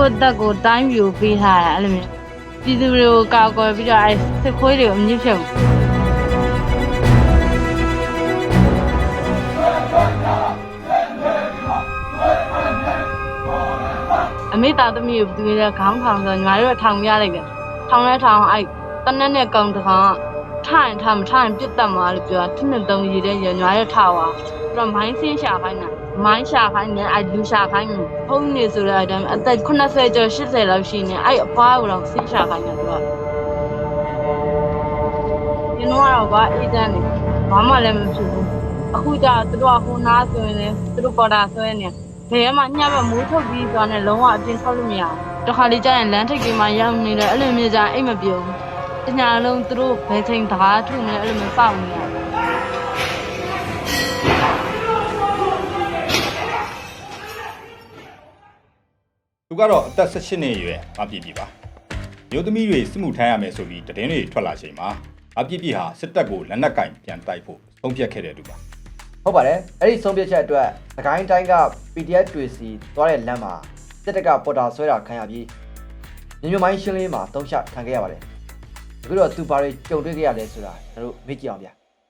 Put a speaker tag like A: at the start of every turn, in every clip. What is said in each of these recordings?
A: ကိုတက်ကိုတိုင်းပြိုပေးထားတာအဲ့လိုမျိုးပြည်သူတွေကိုကောက်ကွယ်ပြီးတော့အဲ့စစ်ခွေးတွေကိုအမြင့်ဖြုတ်အမေသားသမီးကိုသူရဲ့ခေါင်းထောင်ဆိုညီမတို့ထောင်ပြလိုက်တယ်ထောင်လဲထောင်အဲ့တနက်နဲ့ကောင်တကောင်ထိုင်ထားမထိုင်ပြတ်တက်မှာလို့ပြောတာနှစ်သုံးရည်တဲ့ညီမတို့ထားပါပြီးတော့မိုင်းဆင်းရှာခိုင်းတာမိုင်းရှာခိုင်းနေအဲ့လူရှာခိုင်းနေဖုန်းနေဆိုတဲ့အတိုင်းအသက်80ကျော်80လောက်ရှိနေအဲ့အဖွားကိုတော့ဆင်းရှာခိုင်းတယ်သူကဒီတော့ကအေးတန်းနေဘာမှလည်းမဖြစ်ဘူးအခုကျသူတို့ကဟိုနားဆိုရင်လည်းသူတို့ပေါ်တာဆွဲနေဘယ်မှာညဘက်မိုးထုတ်ပြီးသွားနေလုံးဝအပြင်ထွက်လို့မရဘူးတခါလေကျရင်လမ်းထိပ်ကြီးမှာရောက်နေတယ်အဲ့လိုမျိုးကြအိမ်မပြုံးတညာလုံးသူတို့ဘယ်ချိန်တကားထုနေအဲ့လိုမျိုးစောင့်နေရတယ်
B: သူကတော့အသက်18နှစ်အရွယ်မပြည့်ပြီပါမျိုးသမီးတွေစစ်မှုထမ်းရမယ်ဆိုပြီးတည်င်းတွေထွက်လာချိန်မှာအပြည့်ပြည့်ဟာစစ်တပ်ကိုလက်နက်ကင်ပြန်တိုက်ဖို့ဆုံးဖြတ်ခဲ့တဲ့သူပါ
C: ဟုတ်ပါတယ်အဲ့ဒီဆုံးဖြတ်ချက်အတွက်သခိုင်းတိုင်းက PDF တွေစီသွားတဲ့လမ်းမှာစစ်တပ်ကပေါ်တာဆွဲတာခံရပြီးညမိုင်းရှင်းလေးမှာတုံးချခံခဲ့ရပါတယ်အခုတော့သူဘာတွေကြုံတွေ့ခဲ့ရလဲဆိုတာကျွန်တော်တို့မေ့ကြည့်အောင်ဗျာ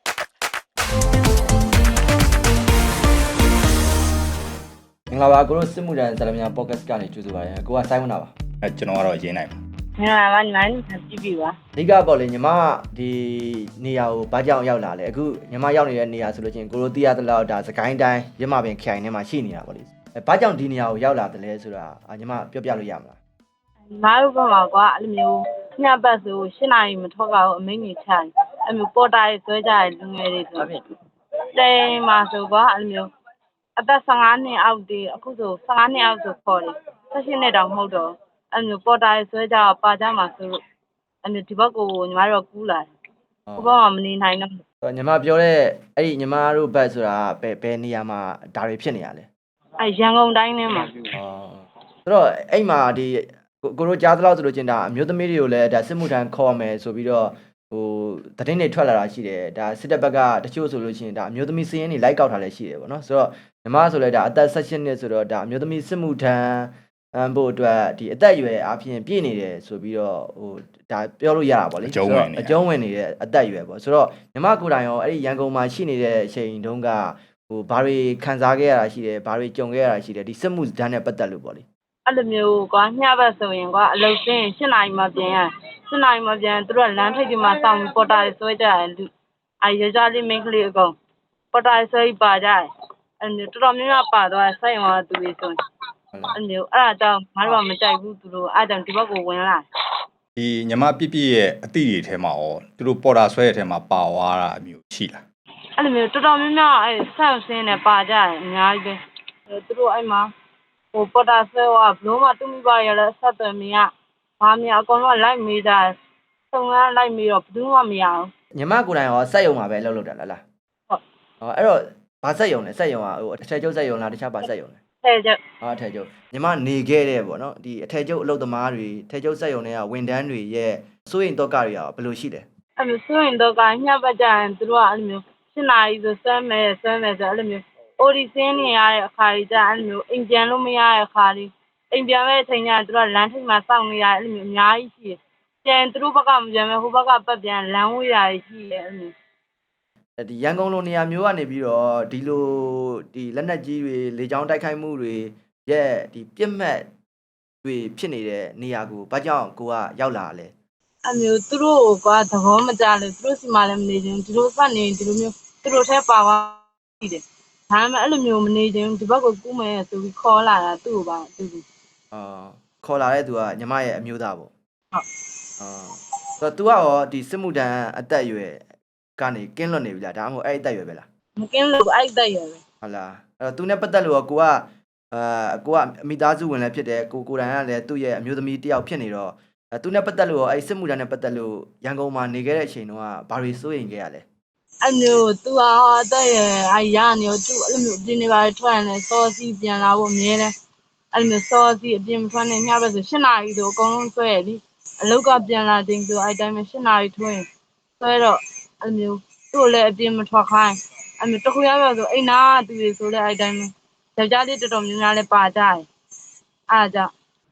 C: မင်္ဂလာပါကိုတို့စစ်မှုထမ်းဇာလမြန်ပေါ့ကတ်ကနေကြိုဆိုပါရစေကိုကစိုင်းဝနာပါ
B: ကျွန်တော်ကတော့ရင်းနိုင်ပါ
A: မင်္ဂလာပါညီမကြည့်ပြီပါ
C: အဓိကပေါ့လေညီမဒီနေရာကိုဘာကြောင့်ရောက်လာလဲအခုညီမရောက်နေတဲ့နေရာဆိုလို့ချင်းကိုတို့သိရသလောက်ဒါစကိုင်းတိုင်းရမပင်ခိုင်ထဲမှာရှိနေတာပေါ့လေဘာကြောင့်ဒီနေရာကိုရောက်လာတယ်လဲဆိုတာညီမပြောပြလို့ရမလား
A: ညီမတို့ဘက်မှာကွာအဲ့လိုမျိုးညပတ်ဆို8နာရီမထွက်ကြဘူးအမိန့်ကြီးချတယ်အဲ့မျိုးပေါ်တာရေးဆွဲကြတယ်လူငယ်တွေဆိုတိမ်မှာဆိုကွာအဲ့လိုမျိုးအသက်15နှစ်အောက်တည်းအခုဆို15နှစ်အောက်ဆိုခေါ်တယ်18နှစ်တောင်မဟုတ်တော့အဲ့မျိုးပေါ်တာရေးဆွဲကြပါကြမှာဆိုလို့အဲ့မျိုးဒီဘက်ကိုညီမတို့ကူးလာတယ်ဟိုဘက်မှာမနေနိုင်တော့
C: ညီမပြောတဲ့အဲ့ဒီညီမတို့ဘက်ဆိုတာဘယ်နေရာမှာဒါတွေဖြစ်နေရလဲ
A: အဲ့ရန်ကုန်တိုင်းထဲမှာ
C: ဆိုတော့အဲ့မှာဒီကိုတို့ကြားသလောက်ဆိုလို့ချင်းဒါအမျိုးသမီးတွေကိုလည်းဒါစစ်မှုထမ်းခေါ်မယ်ဆိုပြီးတော့ဟိုသတင်းတွေထွက်လာတာရှိတယ်ဒါစစ်တပ်ဘက်ကတချို့ဆိုလို့ချင်းဒါအမျိုးသမီးစည်ရင်းတွေလိုက်ကောက်ထားလည်းရှိတယ်ပေါ့နော်ဆိုတော့ညီမဆိုလဲဒါအသက်18နှစ်ဆိုတော့ဒါအမျိုးသမီးစစ်မှုထမ်းဖို့အတွက်ဒီအသက်အရွယ်အပြင်ပြည့်နေတယ်ဆိုပြီးတော့ဟိုဒါပြောလို့ရတာပေါ့လေ
B: အကျုံးဝင်
C: နေတဲ့အသက်အရွယ်ပေါ့ဆိုတော့ညီမကိုယ်တိုင်ရောအဲ့ဒီရန်ကုန်မှာရှိနေတဲ့အချိန်တုန်းကဟိုဘာတွေခံစားခဲ့ရတာရှိတယ်ဘာတွေကြုံခဲ့ရတာရှိတယ်ဒီစစ်မှုထမ်းနဲ့ပတ်သက်လို့ပေါ့လေ
A: အဲ့လိုမျိုးကွာညဘက်ဆိုရင်ကွာအလုပ်စင်း7နာရီမှပြန်ရ7နာရီမှပြန်သူတို့လမ်းထိပ်ဒီမှာစောင့်ပေါ်တာဆွဲကြတယ်လူအဲ့ရကြလေးမိန်းကလေးအကုန်ပေါ်တာဆွဲပါကြတယ်အဲ့မျိုးတော်တော်များများပါသွားစိုက်ရောသူတွေဆိုအဲ့မျိုးအဲ့ဒါကြောင့်ငါတို့ကမကြိုက်ဘူးသူတို့အဲ့ကြောင့်ဒီဘက်ကိုဝင်လာ
B: ဒီညီမပြည့်ပြည့်ရဲ့အသည့်တွေထဲမှာရောသူတို့ပေါ်တာဆွဲတဲ့ထဲမှာပါသွားတာအမျိုးရှိလား
A: အဲ့လိုမျိုးတော်တော်များများအဲ့ဆောက်စင်းနဲ့ပါကြတယ်အများကြီးပဲသူတို့အဲ့မှာဟိုပေါ်တာဆွဲကဘလုံးမတူမိပါရလဲဆက်သွယ်မရဘာမရအကုန်လုံးလိုက်မေးကြတယ်စုံကလိုက်မေးတော့ဘယ်သူမှမရဘူး
C: ညီမကိုယ်တိုင်ရောစက်ယုံမှာပဲလှုပ်တာလား
A: ဟုတ်
C: အဲ့တော့ဘာစက်ယုံလဲစက်ယုံကဟိုအထည်ချုပ်စက်ယုံလားတခြားဘာစက်ယုံလဲ
A: ထည်ချုပ်
C: အထည်ချုပ်ညီမနေခဲ့တဲ့ပေါ့နော်ဒီအထည်ချုပ်အလုပ်သမားတွေထည်ချုပ်စက်ယုံတွေကဝန်ထမ်းတွေရဲ့စိုးရင်တော့ကတွေရောဘယ်လိုရှိလဲ
A: အဲ့လိုစိုးရင်တော့ကညပတ်ကြရင်သူတို့ကအဲ့လိုမျိုး7နာရီဆိုဆွဲမယ်ဆိုအဲ့လိုမျိုးအိုဒီစင်းနေရတဲ့အခါကြီးကျအဲ့လိုမျိုးအိမ်ပြန်လို့မရတဲ့အခါလေးအိမ်ပြန်မဲ့အချိန်ကျသူတို့လမ်းထိပ်မှာစောင့်နေရအဲ့လိုမျိုးအများကြီးရှိတယ်ပြန်သူတို့ဘက်ကမပြန်မဲ့ဟိုဘက်ကပတ်ပြန်လမ်းဝေးတာရှိတယ်အဲ့လို
C: ဒီရန်ကုန်လိုနေရာမျိုးကနေပြီးတော့ဒီလိုဒီလက်နက်ကြီးတွေလေကြောင်းတိုက်ခိုက်မှုတွေရဲ့ဒီပြစ်မှတ်တွေဖြစ်နေတဲ့နေရာကိုဘာကြောင့်ကိုကရောက်လာလဲ
A: အဲ့မျိုးသူတို့ကသဘောမကျလို့သူတို့စီမှာလည်းမနေချင်ဒီလိုဆက်နေဒီလိုမျိုးသူတို့ထဲပါသွားရှိတယ်ဒါမှမဟုတ်အဲ့လိုမျိုးမနေချင်ဒီဘက်ကိုကူးမယ်ဆိုပြီးခေါ်လာတာသူ့ကိုပါသူ့
C: ခေါ်လာတဲ့သူကညီမရဲ့အမျိုးသားပေါ့
A: ဟုတ်
C: ဆိုတော့ तू ကရောဒီစစ်မှုထမ်းအသက်အရွယ်ကနေကင်းလွတ်နေပြီလားဒါမှမဟုတ်အဲ့အသက်အရွယ်ပဲလား
A: မကင်းလို့အဲ့အသက်အရွယ်ပဲ
C: ဟုတ်လားအဲ့တော့ तू နဲ့ပတ်သက်လို့ကိုကအမိသားစုဝင်လည်းဖြစ်တယ်ကိုယ်တိုင်ကလည်းသူ့ရဲ့အမျိုးသမီးတယောက်ဖြစ်နေတော့သူနဲ့ပတ်သက်လို့အဲ့စစ်မှုထမ်းနဲ့ပတ်သက်လို့ရန်ကုန်မှာနေခဲ့တဲ့အချိန်တုန်းကဘာတွေစိုးရိမ်ခဲ့ရလဲ
A: အဲ့မျိုးသူကအသက်ရအဲ့ရနေတော့သူအဲ့လိုမျိုးအပြင်နေပါထွက်ရင်လည်းစောစီပြန်လာဖို့အမြဲတမ်းအဲ့လိုမျိုးစောစီအပြင်မထွက်နဲ့ညဘက်ဆို7နာရီဆိုအကုန်လုံးဆွဲရပြီအလောက်ကပြန်လာချိန်ဆိုအဲ့တိုင်းပဲ7နာရီထွင်းဆွဲတော့အဲ့လိုမျိုးသူ့လည်းအပြင်မထွက်ခိုင်းအဲ့မျိုးတခုရပါဆိုအိမ်နာသူတွေဆိုလည်းအဲ့တိုင်းပဲယောက်ျားလေးတော်တော်များများလည်းပါကြတယ်အားကြောင့်
B: ဟ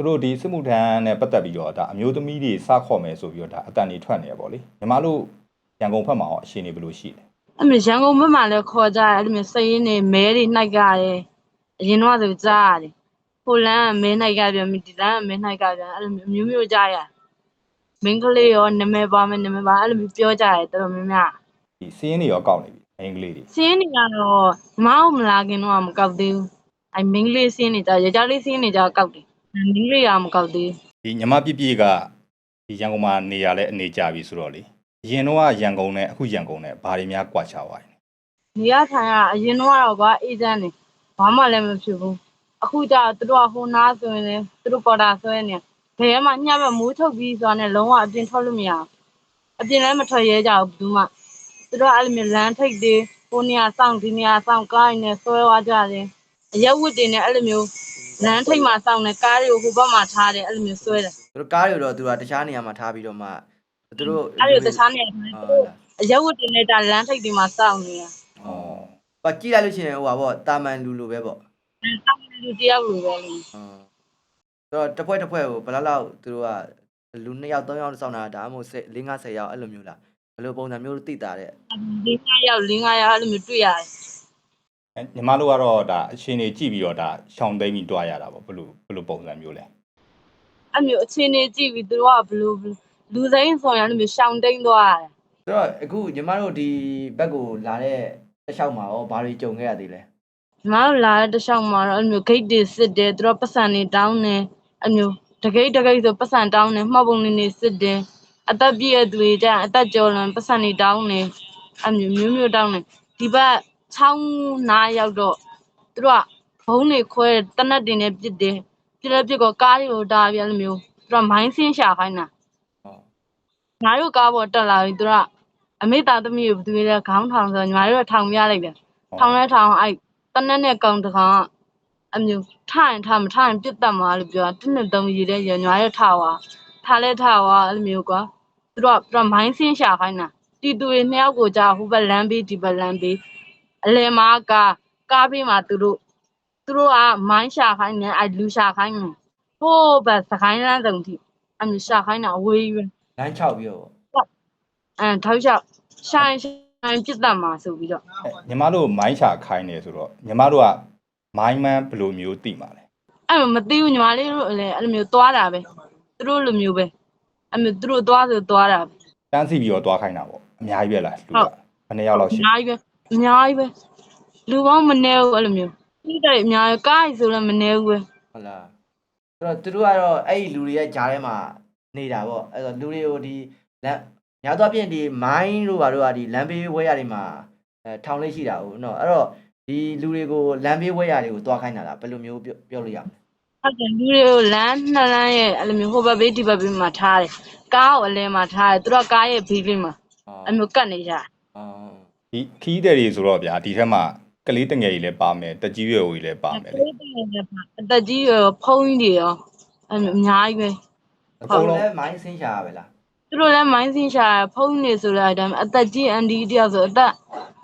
B: သူတို့ဒီစစ်မှုထမ်းနဲ့ပတ်သက်ပြီးတော့ဒါအမျိုးသမီးတွေစခေါ်မယ်ဆိုပြီးတော့ဒါအတန်တွေထွက်နေရပေါ့လေညီမတို့ရန်ကုန်ဘက်မှာရောအရှင်နေဘယ်လိုရှိလဲ
A: အဲ့လိုရန်ကုန်ဘက်မှာလည်းခေါ်ကြတယ်အဲ့လိုမျိုးစရင်နေမဲတွေနှိုက်ကြတယ်အရင်တော့ဆိုကြားရတယ်ဟိုလန်းကမဲနှိုက်ကြပြန်ဒီလန်းကမဲနှိုက်ကြပြန်အဲ့လိုမျိုးမျိုးကြားရမင်းကလေးရောနာမည်ပါမယ်နာမည်ပါအဲ့လိုမျိုးပြောကြတယ်တော်တော်များများ
B: ဒီစီးရင်တွေရောကောက်နေပြီအင်္ဂလိပ်တွေ
A: စင်းနေကတော့မောင်းမလာခင်တော့မကောက်သေးဘူးအဲ့မင်းကလေးစင်းနေကြရကြလေးစင်းနေကြကောက်တယ်မင်းကလေးကမကောက်သေး
B: ဒီညီမပြည့်ပြည့်ကဒီရန်ကုန်မှာနေရလဲအနေကြပြီဆိုတော့လေအရင်တော့ရန်ကုန်နဲ့အခုရန်ကုန်နဲ့ဘာတွေများကွာခြားသွားလဲ
A: နေရထိုင်ရအရင်တော့ကွာအေးချမ်းနေဘာမှလည်းမဖြစ်ဘူးအခုကျသူတို့ကဟိုနားဆိုရင်လည်းသူတို့ပေါ်တာဆွဲနေဘယ်မှညဘက်မိုးထုတ်ပြီးဆိုတာနဲ့လုံးဝအပြင်ထွက်လို့မရဘူးအပြင်လည်းမထွက်ရဲကြဘူးဘူးမှသူတို့အဲ့လိုမျိုးလမ်းထိပ်တွေဟိုနေရာစောင့်ဒီနေရာစောင့်ကားနေဆွဲသွားကြတယ်အရက်ဝတ်တွေနဲ့အဲ့လိုမျိုးလမ်းထိပ်မှာစောင့်နေကားတွေကိုဟိုဘက်မှာထားတယ်အဲ့လိုမျိုးဆွဲတယ်
C: သူတို့ကားတွေတော့သူကတခြားနေရာမှာထားပြီးတော့မှသူတို့
A: အဲ့လိုတခြားနေရာမှာအရက်ဝတ်တွေနဲ့ဒါလမ်းထိပ်တွေမှာစောင့်နေတာ
C: ဩဘာကြည့်လိုက်လို့ရှိရင်ဟိုပါပေါ့တာမန်လူလိုပဲပေါ့
A: စောင့်လူတယောက်လိုပဲလေ
C: ဆိုတော့တစ်ဖွဲ့ကိုဘယ်လောက်သူတို့ကလူ2ယောက်3ယောက်စောင့်တာဒါမှမဟုတ်4 50ယောက်အဲ့လိုမျိုးလားဘယ်လိုပုံစံမျိုးသိတာတဲ့
A: 4-5ယောက်အဲ့လိုမျိုးတွေ့ရတယ်
B: ညီမတို့ကတော့ဒါအရှင်နေကြည့်ပြီးတော့ဒါရှောင်းသိမ်းပြီးတွားရတာပေါ့ဘယ်လိုပုံစံမျိုးလဲ
A: အဲ့မျိုးအခြေအနေကြည့်ပြီးသူတို့ကဘလို့လူစိမ်းဆောင်ရလို့မျိုးရှောင်းတိန်သွားတယ်
C: ဆိုတော့အခုညီမတို့ဒီဘက်ကိုလာတဲ့တစ်လျှောက်မှာရောဘာတွေကြုံခဲ့ရသေးလဲ
A: ညီမတို့လာတဲ့တစ်လျှောက်မှာတော့အဲ့မျိုးဂိတ်တွေစစ်တယ်သူတို့ပတ်စံတွေတောင်းတယ်အဲ့မျိုးတကိတ်ဆိုပတ်စံတောင်းတယ်မှောက်ပုံနေစစ်တယ်အသက်ပြည့်တဲ့သူတွေကြအသက်ကျော်လွန်ပတ်စံတွေတောင်းတယ်အဲ့မျိုးမျိုးတောင်းတယ်ဒီဘက်ချောင်းနားရောက်တော့သူတို့ကဘုံတွေခွဲတနတ်တွေနဲ့ပစ်တယ်ပြလက်ပြကောကားတွေကိုတားပြအဲ့လိုမျိုးသူတို့မိုင်းဆင်းရှာခိုင်းတာ ငါတို့ကားပေါ်တက်လာပြီသူကအမေသားသမီးကိုဘယ်သူလဲခေါင်းထောင်ဆိုညီမတို့ထောင်ပြလိုက်တယ်ထောင်လဲထောင်အဲ့တနက်နဲ့ကောင်တကောင်ကအမျိုးထိုင်ထားမထိုင်ပြတ်တက်မှာလို့ပြော1နှစ်3ရေတဲ့ညီမတို့ထားသွားအဲ့လိုမျိုးကွာသူတို့မိုင်းဆင်းရှာခိုင်းတာတီတူတွေ2ယောက်ကိုကြာဟိုဘက်လမ်းဘေးဒီဘက်လမ်းဘေးအလဲမားကားဘေးမှာသူတို့ကမိုင်းရှာခိုင်းနေအဲ့လူရှာခိုင်းနေဟိုးဘက်စကိုင်းလမ်းစုံထိအမျိုးရှာခိုင်းတာအဝေးကြီးပဲ
C: လမ်း6ပြီးတော့ပေါ့
A: ထောက်လျှောက်ရှိုင်းပြစ်တတ်မှာဆိုပြီးတော့
B: ညီမတို့မိုင်းချခိုင်းနေဆိုတော့ညီမတို့ကမိုင်းမန်းဘယ်လိုမျိုးသိမှာလဲ
A: အဲ့မသိဘူးညီမလေးတို့လည်းအဲ့လိုမျိုးသွားတာပဲသူတို့လိုမျိုးပဲအဲ့မျိုးသူတို့သွားဆိုသွားတာပဲ
B: တန်းစီပြီးတော့တွားခိုင်းတာပေါ့အများကြီးပဲလားလူကဘယ်နှစ်ယောက်လောက်ရှိ
A: အများကြီးပဲလူပေါင်းမနေဘူးအဲ့လိုမျိုးဒီတဲ့အများကြီးကားကြီးဆိုလည်းမနေဘူးပဲ
C: ဟုတ်လားဆိုတော့သူတို့ကတော့အဲ့ဒီလူတွေရဲ့ဂျားထဲမှာနေတာပေါ့အဲ့တော့လူတွေကိုဒီလမ်းညာတော့ပြင်ဒီမိုင်းတို့ဘာတို့ကဒီလမ်းဘေးဝဲရတွေမှာထောင်လေးရှိတာဟုတ်နော်အဲ့တော့ဒီလူတွေကိုလမ်းဘေးဝဲရတွေကိုတွားခိုင်းတာလားဘယ်လိုမျိုးပြောလို့ရမလဲ
A: ဟုတ်တယ်လူတွေကိုလမ်းနှစ်လမ်းရဲ့အဲ့လိုမျိုးဟိုဘက်ဘေးဒီဘက်ဘေးမှာထားတယ်ကားကိုအလဲမှာထားတယ်သူတို့ကားရဲ့ဘေးလေးမှာအဲ့မျိုးကတ်နေကြ
B: ဒီခီးတဲ့တွေဆိုတော့ဗျာဒီထက်မှကလေးတငယ်ကြီးလည်းပါမယ်တက်ကြီးရွယ်ကြီးလည်းပါမယ်လေ
A: အသက်ကြီးရောဖုံးကြီးတွေရောအဲ့မျိုးအများကြီးပဲ
C: အကုန်လုံးမိုင်းဆင်းရှာရပဲလား
A: သူတို့လည်းမိုင်းစင်းရှာဖုံးနေဆိုတဲ့အတိုင်းအသက်ကြီးအန်ဒီတယောက်ဆိုအသက်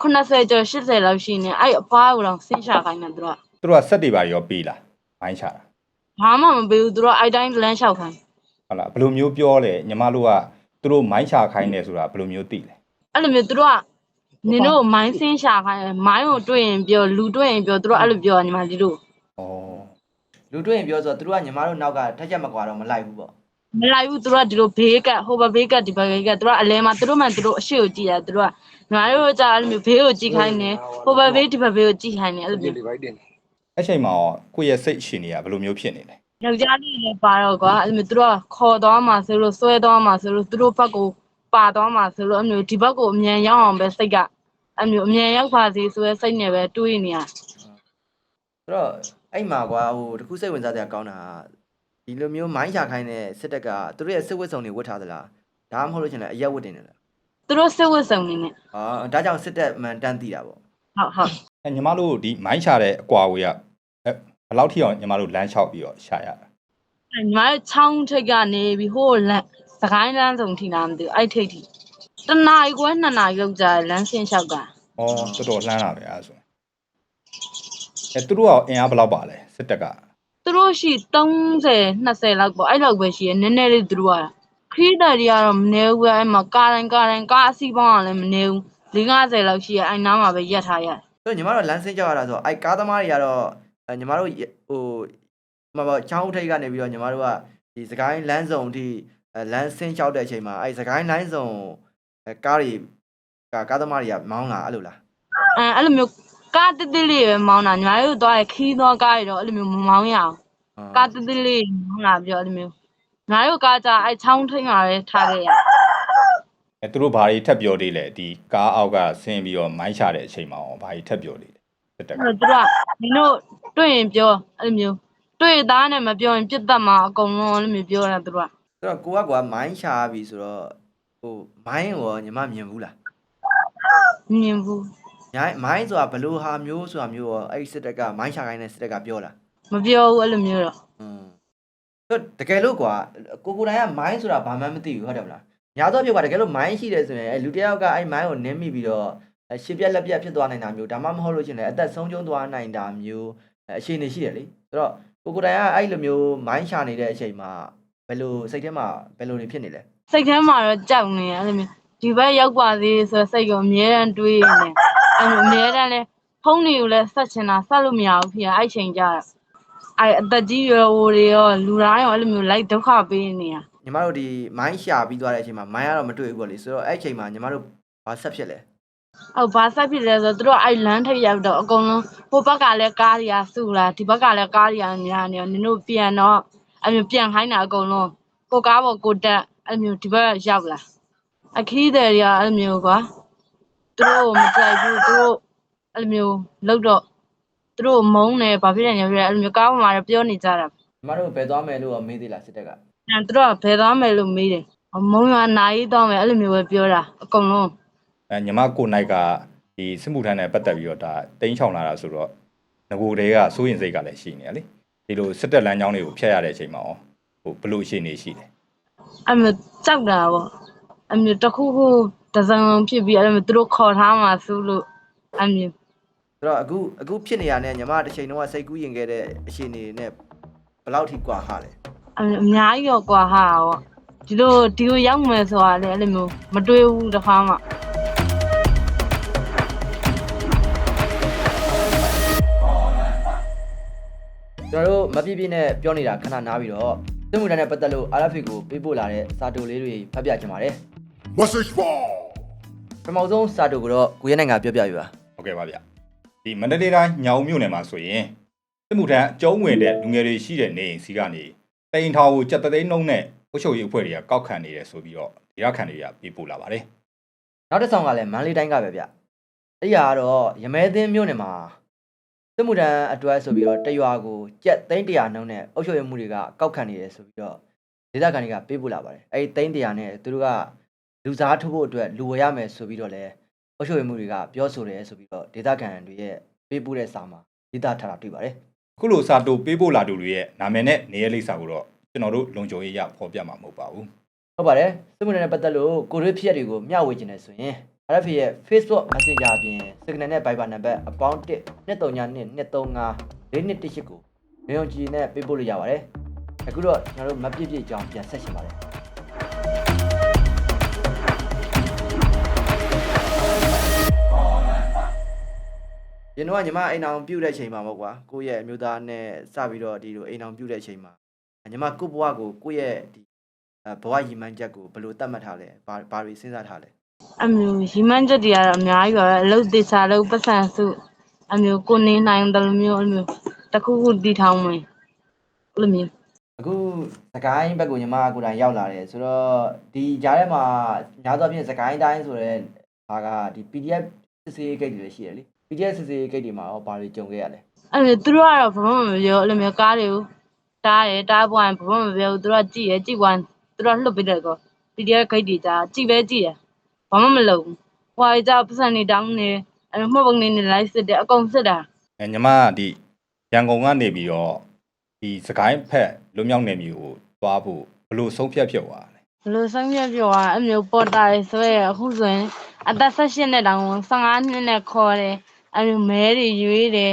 A: 80ကျော်80လောက်ရှိနေအဲ့အဖွားကိုတော့စင်းရှာခိုင်းတယ်သူတို့
B: သူတို့ကစက်တွေပါရောပေးလားမိုင်းချတာ
A: ဘာမှမပေးဘူးသူတို့အဲ့တိုင်းလမ်းလျှောက်ခိုင်း
B: ဟုတ်လားဘယ်လိုမျိုးပြောလဲညီမတို့ကသူတို့မိုင်းချခိုင်းနေဆိုတာဘယ်လိုမျိုးသိလဲ
A: အဲ့လိုမျိုးသူတို့ကနင်တို့မိုင်းစင်းရှာခိုင်းမိုင်းကိုတွေ့ရင်ပြောလူတွေ့ရင်ပြောသူတို့အဲ့လိုပြောညီမလေးတို့
B: ဩ
C: လူတွေ့ရင်ပြောဆိုတော့သူတို့ကညီမတို့နောက်ကထက်ချက်မကွာတော့မလိုက်ဘူးပေါ့
A: မလိုက်ဘူးသူတို့ကဒီလိုဘေးကဟိုဘဘေးကဒီဘဘေးကသူတို့ကအလဲမှာသူတို့မှသူတို့အရှိကိုကြည့်ရတယ်သူတို့ကညီမတို့ကအဲ့လိုမျိုးဘေးကိုကြည့်ခိုင်းနေဟိုဘဘေးဒီဘဘေးကိုကြည့်ခိုင်းနေအဲ့လိုမျိုး
B: အဲ့ချိန်မှာရောကိုယ့်ရဲ့စိတ်ရှင်တွေကဘယ်လိုမျိုးဖြစ်နေလဲ
A: ယောက်ျားလေးလည်းပါတော့ကွာအဲ့လိုမျိုးသူတို့ကခေါ်သွားမှာဆိုလို့ဆွဲသွားမှာဆိုလို့သူတို့ဘက်ကိုပါသွားမှာဆိုလို့အဲ့လိုဒီဘက်ကိုအမြန်ရောက်အောင်ပဲစိတ်ကအဲ့လိုအမြန်ရောက်ပါစေဆိုရဲစိတ်နဲ့ပဲတွေးနေရ
C: ဆိုတော့အဲ့မှာကွာဟိုတခုစိတ်ဝင်စားတဲ့အကောင်းတာဒီလိုမျိုးမိုင်းရှာခိုင်းတဲ့စစ်တပ်ကသူတို့ရဲ့စစ်ဝတ်စုံတွေဝတ်ထားသလားဒါမှမဟုတ်လို့ရှင်လည်းအရက်ဝတ်တင်တယ်လား
A: သူတို့စစ်ဝတ်စုံနေနဲ့
C: ဒါကြောင့်စစ်တပ်မှန်တန်းသိတာပေါ့
A: ဟုတ်
B: အဲညီမတို့ဒီမိုင်းချတဲ့အကွာဝေးကဘယ်လောက်ထိအောင်ညီမတို့လမ်းလျှောက်ပြီးတော့ရှာရတာ
A: ညီမတို့ချောင်းထိပ်ကနေပြီးဟိုလမ်းစကိုင်းလမ်းစုံထိလာမသိဘူးအဲ့ထိပ်ထိတနာရီခွဲ2နာရီလောက်ကြာလမ်းဆင်းလျှောက်တာ
B: ဩတော်တော်လှမ်းလာပဲအဲ့ဒါဆိုရင်အဲသူတို့ကအင်အားဘယ်လောက်ပါလဲစစ်တပ်က
A: သူသူတို့ရှိ30 20လောက်ပေါ့အဲ့လောက်ပဲရှိရနည်းနည်းလေးသူတို့ကခရီးသည်တွေကတော့မနေဘူးပဲအဲ့မှာကားတိုင်းကားအစီးပေါင်းကလည်းမနေဘူး50လောက်ရှိရအဲ့နားမှာပဲရက်ထားရတယ်
C: ဆိုတော့ညီမတို့လမ်းဆင်းကြရတာဆိုအဲ့ကားသမားတွေကတော့ညီမတို့ဟိုမပေါ့ချောင်းထိပ်ကနေပြီးတော့ညီမတို့ကဒီစကိုင်းလမ်းစုံအထိလမ်းဆင်းလျှောက်တဲ့အချိန်မှာအဲ့စကိုင်းလိုင်းစုံကားတွေကားသမားတွေကမောင်းလာအဲ့လိုလား
A: အဲ့လိုမျိုးကားတစ်တစ်လေးပဲမောင်းတာညီမတို့သွားရခီးသွားကားတွေတော့အဲ့လိုမျိုးမမောင်းရအောင်ကားတစ်တစ်လေးမောင်းလာပြီးတော့အဲ့လိုမျိုးညီမတို့ကားကြအဲ့ချောင်းထိပ်မှာပဲထားခဲ့ရ
B: သူတို့ဘာတွေထပ်ပြောသေးလဲဒီကားအောက်ကဆင်းပြီးတော့မိုင်းချတဲ့အချိန်မှာဘာတွေထပ်ပြောသေးလဲစစ်တပ်က
A: သူကနင်တို့တွေ့ရင်ပြောအဲ့လိုမျိုးတွေ့သားနဲ့မပြောရင်ပြစ်တတ်မှာအကုန်လုံးအဲ့လိုမျိုးပြောတာသူက
C: ဆိုတော့ကိုကမိုင်းရှာပြီဆိုတော့ဟိုမိုင်းရောညီမမြင်ဘူးလား
A: မြင်ဘူး
C: မိုင်းဆိုတာဘလို့ဟာမျိုးဆိုတာမျိုးရောအဲ့စစ်တပ်ကမိုင်းရှာခိုင်းတဲ့စစ်တပ်ကပြောလား
A: မပြောဘူးအဲ့လိုမျိုးတော့
C: ဆိုတကယ်လို့ကွာကိုတိုင်ကမိုင်းဆိုတာဘာမှမသိဘူးဟုတ်တယ်မလားညာတော့ပြောကွာတကယ်လို့မိုင်းရှိတယ်ဆိုရင်လူတယောက်ကအဲ့မိုင်းကိုနင်းမိပြီးတော့ရှစ်ပြက်လက်ပြက်ဖြစ်သွားနိုင်တာမျိုးဒါမှမဟုတ်လို့ရှင်လည်းအသက်ဆုံးရှုံးသွားနိုင်တာမျိုးအခြေအနေရှိတယ်လေဆိုတော့ကိုတိုင်ကအဲ့လိုမျိုးမိုင်းရှာနေတဲ့အချိန်မှာဘယ်လိုစိတ်ထဲမှာဘယ်လိုနေဖြစ်နေလဲ
A: စိတ်ထဲမှာတော့ကြောက်နေရအဲ့လိုမျိုးဒီဘက်ရောက်ပါသေးဆိုစိတ်ကအမြဲတမ်းတွေးနေအဲ့လိုအမြဲတမ်းလဲဖုန်းတွေကိုလည်းဆက်ချင်တာဆက်လို့မရဘူးဖြစ်အဲ့ချိန်ကြတာအဲ့အသက်ကြီးရွယ်အိုတွေရောလူတိုင်းရောအဲ့လိုမျိုးလိုက်ဒုက္ခပေးနေတာ
C: ညီမတို့ဒီမိုင်းရှာပြီးသွားတဲ့အချိန်မှာမိုင်းကတော့မတွေ့ဘူးပေါ့လေဆိုတော့အဲ့အချိန်မှာညီမတို့ဘာဆက်ဖြစ်လဲ
A: ဟုတ်ဘာဆက်ဖြစ်လဲဆိုတော့သူတို့အဲ့လမ်းထိပ်ရောက်တော့အကုန်လုံးဟိုဘက်ကလည်းကားတွေကစုလာဒီဘက်ကလည်းကားတွေကညာနေနင်တို့ပြန်တော့အဲ့မျိုးပြန်ခိုင်းတာအကုန်လုံးကိုကားပေါ်ကိုတက်အဲ့မျိုးဒီဘက်ရောက်လာအခီးတယ်တွေကအဲ့မျိုးကွာသူတို့မကြိုက်ဘူးသူတို့အဲ့မျိုးလောက်တော့သူတို့မုန်းတယ်ဘာဖြစ်လဲညပြအဲ့မျိုးကားပေါ်မှာပြောနေကြတာ
C: ညီမတို့ဘယ်သွားမယ်လို့မေးသေးလားစစ်တပ်က
A: သူတို့ကဘယ်သွားမယ်လို့မေးတယ်မုန်းရွာနာရီသွားမယ်အဲ့လိုမျိုးပဲပြောတာအကုန်လုံး
B: ညီမကိုနိုင်ကဒီစစ်မှုထမ်းနဲ့ပတ်သက်ပြီးတော့ဒါတင်းချောင်လာတာဆိုတော့ငကိုတွေကစိုးရင်စိတ်ကလည်းရှိနေရလေဒီလိုစစ်တပ်လမ်းကြောင်းတွေကိုဖျက်ရတဲ့အချိန်မှာဟိုဘလို့ရှိနေရှိတယ်
A: အဲ့မျိုးကြောက်တာပေါ့အဲ့မျိုးတစ်ခုခုတစ်စုံဖြစ်ပြီးအဲ့မျိုးသူတို့ခေါ်ထားမှဆိုလို့အဲ့မျိုး
C: ဆိုတော့အခုဖြစ်နေရတဲ့ညီမတစ်ချိန်လုံးကစိတ်ကူးရင်ခဲ့တဲ့အခြေအနေနဲ့ဘယ်လောက်ထိကွာဟာလဲ
A: အဲ့မျိုးအများကြီးရောကွာဟာပေါ့ဒီလိုရောက်မယ်ဆိုတာလေအဲ့လိုမျိုးမတွေးဘူးတစ်ခါမှ
C: ကျွန်တော်တို့မပြည့်ပြည့်နဲ့ပြောနေတာခဏနားပြီးတော့စစ်မှုထမ်းနဲ့ပတ်သက်လို့ RFA ကိုပေးပို့လာတဲ့စာတိုလေးတွေဖတ်ပြချင်ပါတယ်
D: Message ball.
C: ပထမဆုံးစာတိုကတော့ကိုရဲနိုင်ကပြောပြပြပါ
B: ဟုတ်ကဲ့ပါဗျဒီမန္တလေးတိုင်းညောင်မြို့နယ်မှာဆိုရင်စစ်မှုထမ်းအကျုံးဝင်တဲ့လူငယ်တွေရှိတဲ့နေအိမ်စီကနေတိန်ထောင်ကိုကြက်သိန်းနှုံးနဲ့အုပ်ချုပ်ရေးအဖွဲ့တွေကကောက်ခံနေတယ်ဆိုပြီးတော့ဒေသခံတွေကပြေးပို့လာပါတယ်
C: နောက်တစ်ဆောင်ကလည်းမန္တလေးတိုင်းကပဲဗျအဲ့ဒီကတော့ရမဲသင်းမြို့နယ်မှာစစ်မှုထမ်းအတွက်ဆိုပြီးတော့တရွာကိုကြက်သိန်း100နှုန်းနဲ့အုပ်ချုပ်ရေးမှုတွေကကောက်ခံနေတယ်ဆိုပြီးတော့ဒေသခံတွေကပေးပို့လာပါတယ်အဲ့ဒီသိန်း100နဲ့သူတို့ကလူစားထုတ်ဖို့အတွက်လူဝယ်ရမယ်ဆိုပြီးတော့လည်းအုပ်ချုပ်ရေးမှုတွေကပြောဆိုတယ်ဆိုပြီးတော့ဒေသခံတွေရဲ့ပေးပို့တဲ့စာမှာဒေသထားတာတွေ့ပါတယ်
B: အခုလိုစာတိုပေးပို့လာသူတွေရဲ့နာမည်နဲ့နေရာလိပ်စာကိုတော့ကျွန်တော်တို့လုံခြုံရေးရဖော်ပြမှာမဟုတ်ပါဘူး
C: ဟုတ်ပါတယ်စစ်မှုထမ်းနဲ့ပတ်သက်လို့ကိုရွေးဖြစ်တွေကိုမျှဝေခြင်းနဲ့ဆိုရင် RFA ရဲ့ Facebook Messenger အပြင် Signal နဲ့ Viber နံပါတ်အပေါင်း1-239-235-4218ကိုနေုံကြည်နဲ့ပေးပို့လို့ရပါတယ်အခုတော့ကျွန်တော်တို့မပြည့်ပြည့်အကြောင်းပြန်ဆက်ရှင်ပါတယ်ရင်းတော့ညီမအိမ်အောင်ပြုတ်တဲ့အချိန်မှာပေါ့ကွာကိုယ့်ရဲ့အမျိုးသားနဲ့စပြီးတော့ဒီလိုအိမ်အောင်ပြုတ်တဲ့အချိန်မှာညီမကိုယ့်ဘဝကိုကိုယ့်ရဲ့ဒီဘဝရည်မှန်းချက်ကိုဘယ်လိုသတ်မှတ်ထားလဲဘာတွေစဉ်းစားထားလဲ
A: အဲ့မျိုးရီမန်းချက်တွေကတော့အများကြီးပါပဲအလုပ်တေချာလုပ်ပတ်စံစုအဲ့မျိုးကိုနေနိုင်တယ်လို့မျိုးအဲ့မျိုးတစ်ခုခုတည်ထောင်မယ်အဲ့လိုမျိုး
C: အခုစကိုင်းဘက်ကိုညီမကိုယ်တိုင်ရောက်လာတယ်ဆိုတော့ဒီကြားထဲမှာညာသောဖြင့်စကိုင်းတိုင်းဆိုတဲ့ဟာကဒီ PDF စစ်စေးဂိတ်တွေရှိတယ်လေ PDF စစ်စေးဂိတ်တွေမှာရောဘာတွေကြုံခဲ့ရလဲ
A: အဲ့မျိုးသူတို့ကတော့ဘာမှမပြောအဲ့လိုမျိုးကားတွေကိုတားပွားရင်ဘာမှမပြောဘူးသူတို့ကကြည့်ပွားသူတို့လှုပ်ပေးတယ်ကော PDF ဂိတ်တွေကြာကြည့်တယ်ဘာမှမလုပ်ဘူးဟွာကြပတ်စံနေတောင်းနေအဲ့မှတ်ပုံနေလိုက်စစ်တယ်အကုန်စစ်တာ
B: ညီမဒီရန်ကုန်ကနေပြီးတော့ဒီစကိုင်းဖက်လွမြောက်နယ်မြေကိုသွားဖို့ဘလို့ဆုံးဖြတ်ဖြစ်သွားလဲ
A: ဘလို့ဆုံးဖြတ်ပြောတာအဲ့မျိုးပေါ်တာတွေဆွဲရအခုဆိုရင်အသက်18နဲ့တောင်15နှစ်နဲ့ခေါ်တယ်အဲ့မျိုးမဲတွေရွေးတယ်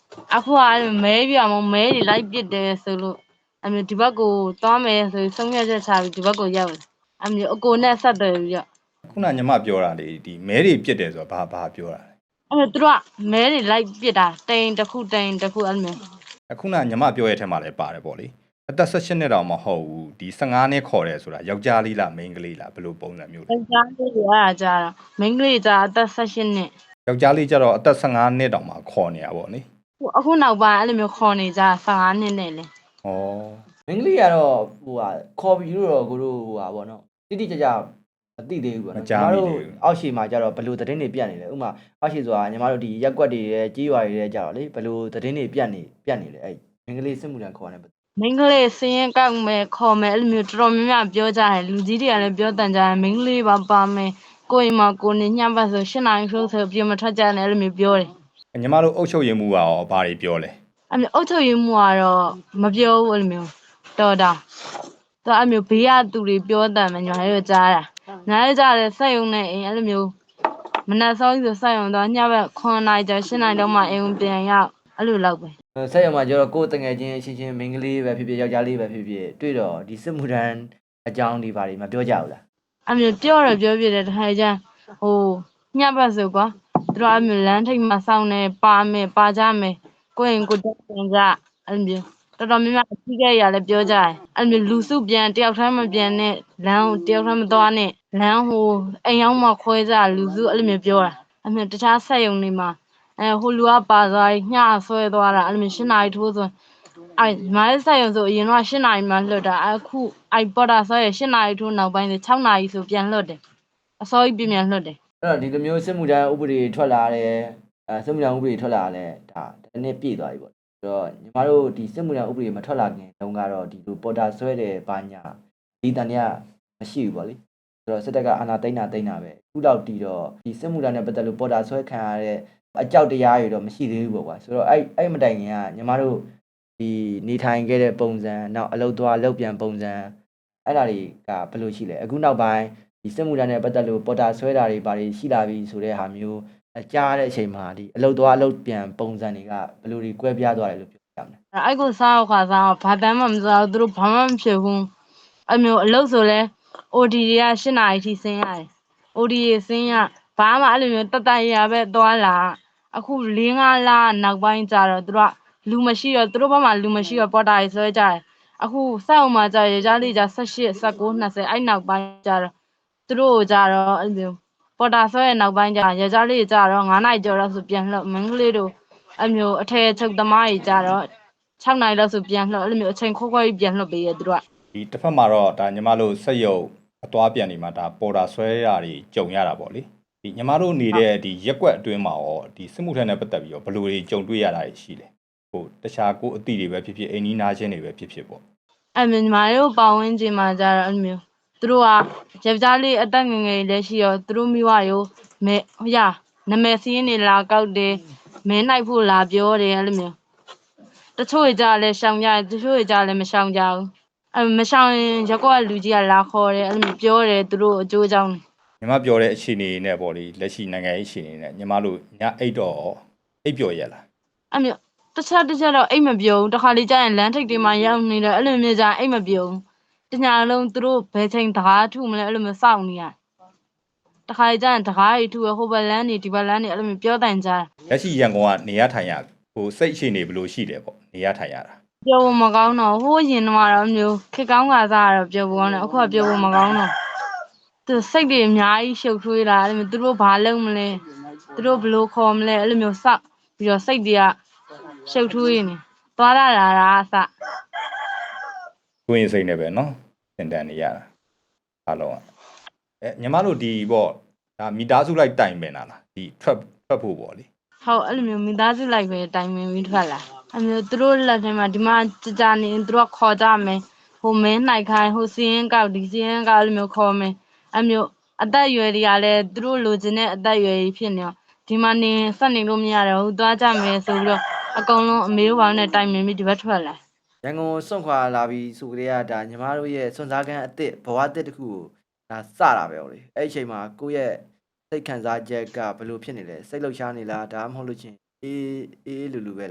A: အခုကမဲပြမမဲတွေလိုက်ပစ်တယ်ဆိုလို့အမျိုးဒီဘက်ကိုသွားမယ်ဆိုဆုံးဖြတ်ချက်ချပြီးဒီဘက်ကိုရောက်တယ်အမျိုးအကိုနဲ့ဆက်တယ်ပြီးတော့
B: ခုနညီမပြောတာလေဒီမဲတွေပြစ်တယ်ဆိုတာဘာပြောတာလဲ
A: အမျိုးသူတို့ကမဲတွေလိုက်ပစ်တာတိန်တစ်ခုအဲ့လိုမျိုး
B: အခုနညီမပြောရဲ့အထက်မှာလည်းပါတယ်ပေါ့လေအသက်18နှစ်တောင်မဟုတ်ဘူးဒီ15နှစ်ခေါ်တယ်ဆိုတာယောက်ျားလေးလားမိန်းကလေးလားဘယ်လိုပုံစံမျိုးလဲ
A: ယောက်ျားလေးတွေအဲ့ဒါကြတော့မိန်းကလေးကြအသက်18နှစ်
B: ယောက်ျားလေးကျတော့အသက်15နှစ်တောင်မှခေါ်နေတာပေါ့လေ
A: အခုနောက်ပိုင်းအဲ့လိုမျိုးခေါ်နေကြ15နှစ်နဲ့လေ
B: ဩ
C: မင်းကလေးကတော့ဟိုဟာခေါ်ပြီးတော့ကိုတို့ဟိုဟာဗောနော်တိတိကျကျမသိသေးဘူးဗောနော်အောက်ရှိမှာကျတော့ဘယ်လိုသတင်းတွေပြတ်နေလဲဥမာအောက်ရှိဆိုတာညီမတို့ဒီရက်ကွက်တွေရဲ့ကြေးရွာတွေရဲ့ကျတော့လေဘယ်လိုသတင်းတွေပြတ်နေလဲအဲ့မင်းကလေးစစ်မှုထမ်းခေါ်နေ
A: မိန်းကလေးစင်းရင်ကောက်မယ်ခေါ်မယ်အဲ့လိုမျိုးတော်တော်များများပြောကြတယ်လူကြီးတွေကလည်းပြောတန်ကြတယ်မိန်းကလေးပါမယ်ကိုယ်အိမ်မှာကိုနေညှပ်ပတ်ဆို8နာရီထိုးဆိုပြင်မထွက်ကြနဲ့အဲ့လိုမျိုးပြောတယ်
B: ညီမတို့အုပ်ချုပ်ရေးမှုကရောဘာတွေပြောလဲ
A: အဲ့မျိုးအုတ်ချုပ်ရင်းမှုကတော့မပြောဘူးအဲ့လိုမျိုးတော်တာသူအဲ့မျိုးဘေးကသူတွေပြောတန်မယ်ညီမတို့ကြားတာညားရကြတယ်စက်ရုံနဲ့အိမ်အဲ့လိုမျိုးမနက်စောကြီးဆိုစက်ရုံတော့ညဘက်9နာရီကျ8နာရီတော့မှအိမ်ပြန်ရောက်အဲ့လိုလောက်ပဲ
C: ဆက်ရမှာကျတော့ကိုယ်တငယ်ချင်းချင်းချင်းမင်းကလေးပဲဖြစ်ဖြစ်ယောက်ျားလေးပဲဖြစ်ဖြစ်တွေ့တော့ဒီစစ်မှုထမ်းအကြောင်းဒီဘာတွေမပြောကြဘူးလား
A: အဲ့မျိုးပြောပြတယ်တခါကျဟိုညဘက်ဆိုကွာသူတို့အဲ့မျိုးလမ်းထိပ်မှာစောင့်နေပါကြမယ်ကိုယ့်ရင်ကိုတက်ပြန်ကြအဲ့မျိုးတော်တော်များများအကြီးကြီးရလည်းပြောကြတယ်အဲ့မျိုးလူစုပြန်တယောက်တည်းမပြန်နဲ့လမ်းကိုတယောက်တည်းမသွားနဲ့လမ်းဟိုအိမ်ရောက်မှခွဲကြလူစုအဲ့လိုမျိုးပြောတာအဲ့မျိုးတခြားဆက်ယုံနေမှာဟိုလူကပါသွားညဆွဲသွားတာအဲ့လိုမျိုး8နာရီထိုးဆိုအဲ့မိုင်းဆက်ရုံဆိုအရင်တော့8နာရီမှလွတ်တာအခုအဲ့ပေါ်တာဆွဲရ8နာရီထိုးနောက်ပိုင်း6နာရီဆိုပြန်လွတ်တယ်အစောကြီးပြန်လွတ်တယ်
C: အဲ့တော့ဒီလိုမျိုးစစ်မှုထမ်းဥပဒေထွက်လာတယ်စစ်မှုထမ်းဥပဒေထွက်လာတယ်ဒါတနေ့ပြည့်သွားပြီပေါ့ဆိုတော့ညီမတို့ဒီစစ်မှုထမ်းဥပဒေမထွက်လာခင်တုန်းကတော့ဒီလိုပေါ်တာဆွဲတယ်ဘာညာဒီတန်တွေကမရှိဘူးပေါ့လေဆိုတော့စစ်တပ်ကအာဏာသိမ်းတာပဲအခုလောက်တီတော့ဒီစစ်မှုထမ်းနဲ့ပတ်သက်လို့ပေါ်တာဆွဲခံရတဲ့အကြောက်တရားတွေတော့မရှိသေးဘူးပေါ့ကွာဆိုတော့အဲ့မတိုင်ခင်ကညီမတို့ဒီနေထိုင်ခဲ့တဲ့ပုံစံနောက်အလုပ်သွားလုပ်ပြန်ပုံစံအဲ့ဒါတွေကဘယ်လိုရှိလဲအခုနောက်ပိုင်းဒီစစ်မှုထမ်းနဲ့ပတ်သက်လို့ပေါ်တာဆွဲတာတွေဘာတွေရှိလာပြီဆိုတဲ့ဟာမျိုးကြားတဲ့အချိန်မှာဒီအလုပ်သွားအလုပ်ပြန်ပုံစံတွေကဘယ်လိုတွေကွဲပြားသွားတယ်လို့ပြောပြမလဲ
A: အဲ့ကိုစားခါစားဘာတမ်းမှမစားဘူးသူတို့ဘာမှမဖြစ်ဘူးအဲ့မျိုးအလုပ်ဆိုလဲ OD တွေက8နာရီထိဆင်းရတယ် OD ရဆင်းရဘာမှအဲ့လိုမျိုးတတရပဲသွားလာအခု4-5လနောက်ပိုင်းကျတော့သူတို့ကလူမရှိတော့သူတို့ဘက်မှာလူမရှိတော့ပေါ်တာရေးဆွဲကြတယ်အခုစောက်မှာကြာရကြလေးကြာ18 19 20အဲ့နောက်ပိုင်းကျတော့သူတို့ကြတော့အဲ့လိုပေါ်တာဆွဲရနောက်ပိုင်းကျရကြလေးကြတော့9နာရီကျော်တော့ဆိုပြန်လှမင်းကလေးတို့အဲ့မျိုးအထည်ချုပ်သမားကြီးကြတော့6နာရီလောက်ဆိုပြန်လှအဲ့လိုမျိုးအချိန်ခွဲကြီးပြန်လှပေးရသူတို့က
B: ဒီတစ်ဖက်မှာတော့ဒါညီမတို့စက်ရုပ်အသွားပြန်နေမှာဒါပေါ်တာဆွဲတာတွေကြုံရတာပေါ့လေဒီညီမတို့နေတဲ့ဒီရက်ကွက်အတွင်းမှာရောဒီစစ်မှုထမ်းနဲ့ပတ်သက်ပြီးတော့ဘယ်လိုတွေကြုံတွေ့ရတာရှိလဲဟိုတခြားကိုအသည့်တွေပဲဖြစ်ဖြစ်အိမ်နီးနားချင်းတွေပဲဖြစ်ဖြစ်ပေါ့
A: အဲ့မျိုးညီမတို့ပတ်ဝန်းကျင်မှာကြတော့အဲ့မျိုးသူတို့ကယောက်ျားလေးအသက်ငယ်ငယ်လေးရှိရောသူတို့မိဝရောမဲဟိုရနမဲစင်းနေလာကောက်တယ်မဲနိုင်ဖို့လာပြောတယ်အဲ့လိုမျိုးတချို့ကြလည်းရှောင်ကြတယ်တချို့ကြလည်းမရှောင်ကြဘူးအဲ့မရှောင်ရင်ရက်ကွက်လူကြီးကလာခေါ်တယ်အဲ့လိုမျိုးပြောတယ်သူတို့အကျိုးအကြောင်း
B: ညီမပြောတဲ့အခြေအနေနဲ့ပေါ့လေလက်ရှိနိုင်ငံရေးအခြေအနေနဲ့ညီမတို့ညအိတ်တော့အိပ်ပျော်ရလား
A: အဲ့မျိုးတစ်ချက်တော့အိတ်မပြုံးတစ်ခါလေကြာရင်လမ်းထိပ်တွေမှာရောက်နေတယ်အဲ့လိုမျိုးကြာအိတ်မပြုံးတညာလုံးသူတို့ဘယ်ချိန်တကားထုမလဲအဲ့လိုမျိုးစောင့်နေရတခါလေကြာရင်တကားကြီးထုရဟိုဘက်လမ်းနေဒီဘက်လမ်းနေအဲ့လိုမျိုးပြောတိုင်ကြတာ
B: လက်ရှိရန်ကုန်ကနေရထိုင်ရဟိုစိတ်အခြေအနေဘယ်လိုရှိတယ်ပေါ့နေရထိုင်ရတာ
A: ပြောဖို့မကောင်းတော့ဟိုးရင်တော့မျိုးခက်ကောင်းကစားတော့ပြောဖို့ကောင်းတယ်အခုကပြောဖို့မကောင်းတော့သူစိတ်တွေအများကြီးရှုပ်ထွေးလာအဲ့လိုမျိုးသူတို့ဘာလုပ်မလဲသူတို့ဘယ်လိုခေါ်မလဲအဲ့လိုမျိုးစောက်ပြီးတော့စိတ်တွေကရှုပ်ထွေးနေသွားလာတာအစ
B: ကိုရင်စိတ်နဲ့ပဲเนาะသင်တန်းနေရတာအားလုံးကညီမတို့ဒီပေါ့ဒါမိသားစုလိုက်တိုင်ပင်တာလားဒီထွက်ဖို့ပေါ့လေ
A: ဟုတ်အဲ့လိုမျိုးမိသားစုလိုက်ပဲတိုင်ပင်ပြီးထွက်လာအဲ့မျိုးသူတို့လက်ထဲမှာဒီမှာကြာနေသူတို့ခေါ်ကြမယ်ဟိုမင်းနိုင်ခိုင်းဟိုစီရင်ကောက်ဒီစီရင်ကောက်အဲ့လိုမျိုးခေါ်မယ်အဲ့မျိုးအသက်အရွယ်တွေကလည်းသူတို့လိုချင်တဲ့အသက်အရွယ်ကြီးဖြစ်နေတော့ဒီမှာနေဆက်နေလို့မရတော့ဘူးသွားကြမယ်ဆိုပြီးတော့အကုန်လုံးအမေတို့ဘာလို့နဲ့တိုင်ပင်ပြီးဒီဘက်ထွက်လာ
C: ရန်ကုန်စွန့်ခွာလာပြီးဆိုကြတဲ့ကဒါညီမတို့ရဲ့စွန့်စားခန်းအစ်စ်ဘဝအစ်စ်တစ်ခုကိုဒါစတာပဲဟုတ်လေအဲ့ဒီအချိန်မှာကိုယ့်ရဲ့စိတ်ခံစားချက်ကဘယ်လိုဖြစ်နေလဲစိတ်လှုပ်ရှားနေလားဒါမှမဟုတ်လို့ချင်းအေးလူပဲလား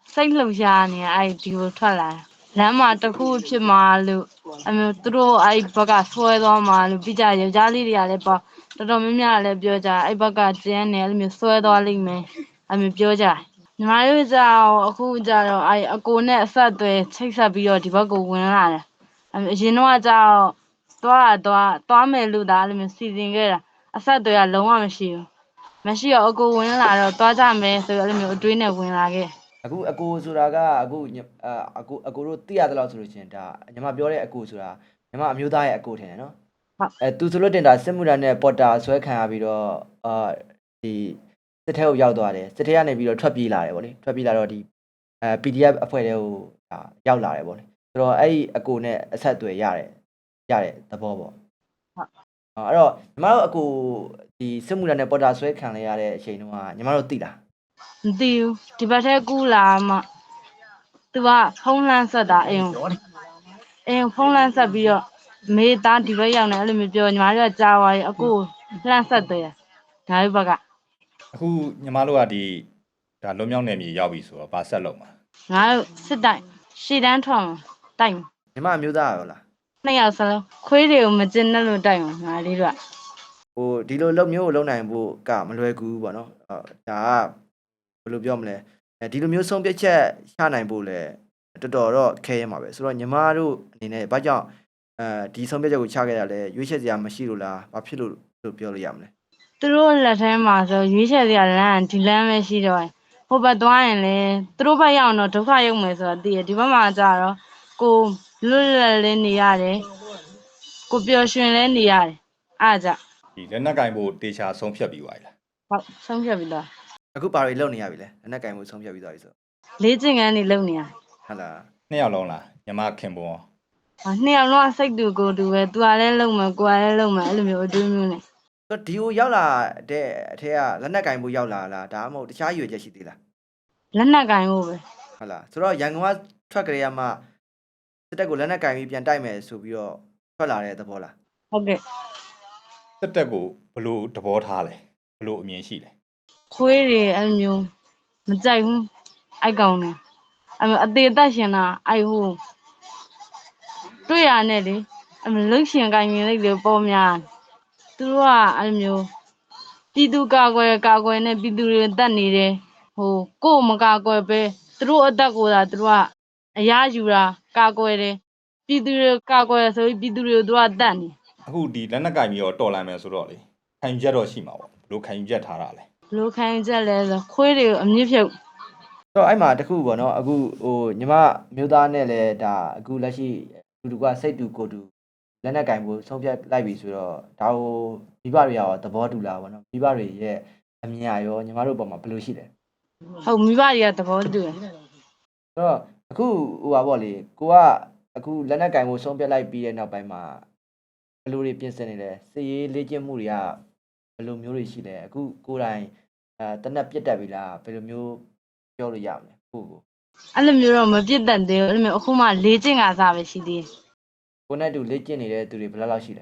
A: စိတ်လှုပ်ရှားနေအဲ့ဒီကိုထွက်လာလမ်းမှာတစ်ခုဖြစ်မှာလို့အမျိုးသူတို့အဲ့ဘက်ကဆွဲသွားမှာလို့ပြီးကြယောက်ျားလေးတွေကလည်းပေါ့တော်တော်များများလည်းပြောကြအဲ့ဘက်ကကျန်းနေအဲ့လိုမျိုးဆွဲသွားလိမ့်မယ်အမျိုးပြောကြညီမတို့ကြောင့်အခုကြတော့အဲ့အကိုနဲ့အဆက်အသွယ်ချိတ်ဆက်ပြီးတော့ဒီဘက်ကိုဝင်လာတယ်အရင်တော့ကြောင့်သွားမယ်လို့ဒါအဲ့လိုမျိုးစီစဉ်ခဲ့တာအဆက်အသွယ်ကလုံးဝမရှိဘူးမရှိတော့အကိုဝင်လာတော့သွားကြမယ်ဆိုတော့အဲ့လိုမျိုးအတွေးနဲ့ဝင်လာခဲ့
C: အခုအကိုဆိုတာကအခုအကိုတို့သိရသလောက်ဆိုလို့ချင်းဒါညီမပြောတဲ့အကိုဆိုတာညီမအမျိုးသားရဲ့အကိုထင်တယ်နော်
A: ဟုတ်
C: သူဆိုလို့တင်တာစစ်မှုထမ်းနဲ့ပေါ်တာဆွဲခံရပြီးတော့ဒီစစ်ထဲကိုရောက်သွားတယ်စစ်ထဲကနေပြီးတော့ထွက်ပြေးလာတယ်ဗောလေထွက်ပြေးလာတော့ဒီPDF အဖွဲ့တွေကိုဒါရောက်လာတယ်ဗောလေဆိုတော့အဲ့ဒီအကိုနဲ့အဆက်အသွယ်ရတယ်သဘောပေါ့အဲ့တော့ညီမတို့အကိုဒီစစ်မှုထမ်းနဲ့ပေါ်တာဆွဲခံရတဲ့အချိန်တုန်းကညီမတို့သိလား
A: မသိဘူးဒီဘက်ထဲကူးလာမှသူကဖုံးလန်းဆက်တာအိမ်ဖုံးလန်းဆက်ပြီးတော့မေးသားဒီဘက်ရောက်နေအဲ့လိုမျိုးပြောညီမတို့ကကြားသွားရင်အကိုလှမ်းဆက်တယ်ဒါဘက်က
B: အခုညီမတို့ကဒီဒါလွန်မြောက်နယ်မြေရောက်ပြီဆိုတော့ဗာဆက်လုံးမှာ
A: ငါတို့စစ်တိုင်ရှေ့တန်းထောင်တိုင်
C: ညီမအမျိုးသားရောလား
A: နှစ်ယောက်စလုံးခွေးတွေကိုမကျင်နဲ့လို့တိုင်ငါလေးတို့က
C: ဟိုဒီလိုလုပ်မျိုးကိုလုပ်နိုင်ဖို့ကမလွယ်ကူဘူးပေါ့နော်ဒါကဘယ်လိုပြောမလဲဒီလိုမျိုးဆုံးဖြတ်ချက်ချနိုင်ဖို့လဲတော်တော်တော့ခဲရမှာပဲဆိုတော့ညီမတို့အနေနဲ့ဘာကြောင့်ဒီဆုံးဖြတ်ချက်ကိုချခဲ့ရလဲရွေးချယ်စရာမရှိလို့လားဘာဖြစ်လို့ပြောလို့ရမလဲ
A: သူတို့လက်ထဲမှာဆိုရွေးချယ်စရာလမ်းဒီလမ်းပဲရှိတော့တယ်ဟိုဘက်သွားရင်လေသူတို့ဘက်ရောက်တော့ဒုက္ခရောက်မယ်ဆိုတော့သိရဒီဘက်မှာကြတော့ကိုလွတ်လပ်လေးနေရတယ်ကိုပျော်ရွှင်လေးနေရတယ်အားကြ
B: ဒီလက်နက်ကင်ဖို့တေချာဆုံးဖြတ်ပြီးသွားပြီလား
A: ဟုတ်ဆုံးဖြတ်ပြီးတော့
C: အခုဘာတွေလုပ်နေရပြီလဲလက်နက်ကင်မှုဆုံးဖြတ်ပြီးသွားပြီဆို
A: လေးကျင်ကန်းနေလုံနေရ
C: ဟုတ်လား
B: နှစ်ယောက်လုံးလားညီမခင်ပွန်
A: နှစ်ယောက်လုံးစိတ်တူကိုယ်တူပဲသူကလည်းလုံမယ်ကိုယ်ကလည်းလုံမယ်အဲ့လိုမျိုးအတွေးမျိုးနဲ့
C: ဆိုတော့ဒီကိုရောက်လာတဲ့အထက်ကလက်နက်ကင်မှုရောက်လာလားဒါမှမဟုတ်တခြားရွေချက်ရှိသေးလား
A: လက်နက်ကင်ဖို့ပဲ
C: ဟုတ်လားဆိုတော့ရန်ကုန်ကထွက်ကြရမှစစ်တပ်ကိုလက်နက်ကင်ပြီးပြန်တိုက်မယ်ဆိုပြီးတော့ထွက်လာတဲ့သဘောလား
A: ဟုတ်ကဲ့
B: တက်တက်ကိုဘလို့သဘောထားလဲဘလို့အမြင်ရှိလဲ
A: ခွေးတွေအဲ့လိုမျိုးမကြိုက်ဘူးအိုက်ကောင်နေအသေးသက်ရှင်တာအိုက်ဟိုတွေ့ရနဲ့လေလှုပ်ရှင်ကိုင်းမြင်လိုက်လေပေါ်များသူတို့ကအဲ့လိုမျိုးပြည်သူကာကွယ်နဲ့ပြည်သူတွေတတ်နေတယ်ဟိုကို့မကာကွယ်ပဲသူတို့အသက်ကိုသာသူတို့ကအရာယူတာကာကွယ်တယ်ပြည်သူတွေကာကွယ်ဆိုပြီးပြည်သူတွေကိုသူကတတ်နေ
B: အခုဒီလက်နက်ကင်ပြီးတော့တော်လာမယ်ဆိုတော့လေခံယူချက်တော့ရှိမှာပေါ့ဘလို့ခံယူချက်ထားတာလဲ
A: ဘလို့ခိုင်းချက်လဲဆိုခွေးတွေကိုအမြင့်ဖြုတ်
C: ဆိုတော့အဲ့မှာတခုပေါ့နော်အခုဟိုညီမမျိုးသားနဲ့လည်းဒါအခုလက်ရှိလူကစိတ်တူကိုယ်တူလက်နက်ကင်မှုဆုံးဖြတ်လိုက်ပြီဆိုတော့ဒါကိုမိဘတွေရောသဘောတူလားပေါ့နော်မိဘတွေရဲ့အမြင်အရောညီမတို့ဘက်မှာဘယ်လိုရှိလဲ
A: ဟုတ်မိဘတွေကသဘောတူတယ်
C: ဆိုတော့အခုဟိုပါပေါ့လေကိုကအခုလက်နက်ကင်မှုဆုံးဖြတ်လိုက်ပြီးတဲ့နောက်ပိုင်းမှာဘယ်လိုတွေပြင်ဆင်နေလဲစည်ရေးလေ့ကျင့်မှုတွေကဘယ်လိုမျိုးတွေရှိလဲအခုကိုယ်တိုင်တနက်ပြတ်တက်ပြီလားဘယ်လိုမျိုးပြောလို့ရမလဲကိုကို
A: အဲ့လိုမျိုးတော့မပြစ်တတ်သေးဘူးအဲ့လိုမျိုးအခုမှ၄ကျင့်ကစားပဲရှိသေးတယ်
C: ကိုနဲ့တူလေ့ကျင့်နေတဲ့သူတွေဘယ်လောက်ရှိလဲ